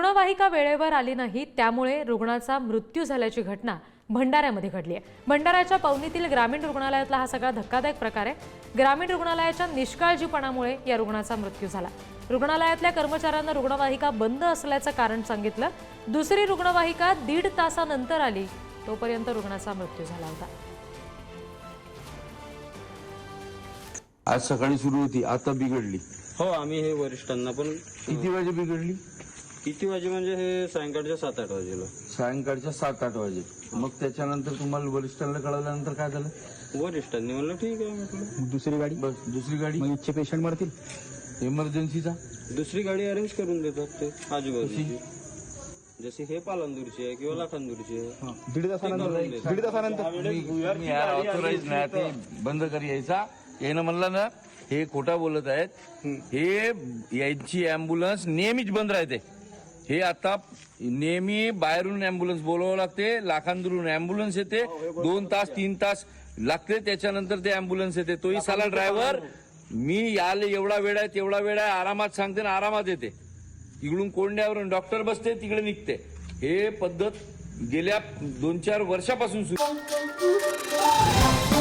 रुग्णवाहिका वेळेवर आली नाही, त्यामुळे रुग्णाचा मृत्यू झाल्याची घटना भंडाऱ्यामध्ये घडली आहे। भंडाऱ्याच्या पवनीतील ग्रामीण रुग्णालयातला हा सगळा धक्कादायक प्रकार आहे। ग्रामीण रुग्णालयाच्या निष्काळजीपणामुळे या रुग्णाचा मृत्यू झाला। रुग्णालयातल्या कर्मचाऱ्यांना रुग्णवाहिका बंद असल्याचं कारण सांगितलं। दुसरी रुग्णवाहिका 1.5 तासानंतर आली, तोपर्यंत रुग्णाचा मृत्यू झाला होता। आज सकाळी सुरू होती, आता बिघडली। हो, आम्ही हे वरिष्ठांना पण किती वाजे बिघडली? किती वाजे म्हणजे हे सायंकाळच्या 7-8 वाजेला। सायंकाळच्या 7-8 वाजे। मग त्याच्यानंतर तुम्हाला वरिष्ठांना कळवल्यानंतर काय झालं? वरिष्ठांनी म्हणलं ठीक आहे म्हटलं। दुसरी गाडी, बस दुसरी गाडी, मग इच्छे पेशंट मरतील। इमर्जन्सीचा दुसरी गाडी अरेंज करून देतात ते आजूबाजूची, जशी हे पालंदूरची आहे किंवा लाखांदूरची आहे। 1.5 तासानंतर तुम्ही ऑथोराइज नाही, ते बंद कर यायचा। यानं म्हणलं ना हे खोटा बोलत आहेत, हे यांची अँब्युलन्स नेहमीच बंद राहते। हे आता नेहमी बाहेरून अँब्युलन्स बोलावं लागते, लाखांदूरून अँब्युलन्स येते, 2 तास 3 तास लागते, त्याच्यानंतर ते अँब्युलन्स येते। तोही साला ड्रायव्हर मी याले एवढा वेळ आहे तेवढा वेळ आहे आरामात सांगते ना आरामात येते। इकडून कोंड्यावरून डॉक्टर बसते, तिकडे निघते। हे पद्धत गेल्या 2-4 वर्षापासून सुरू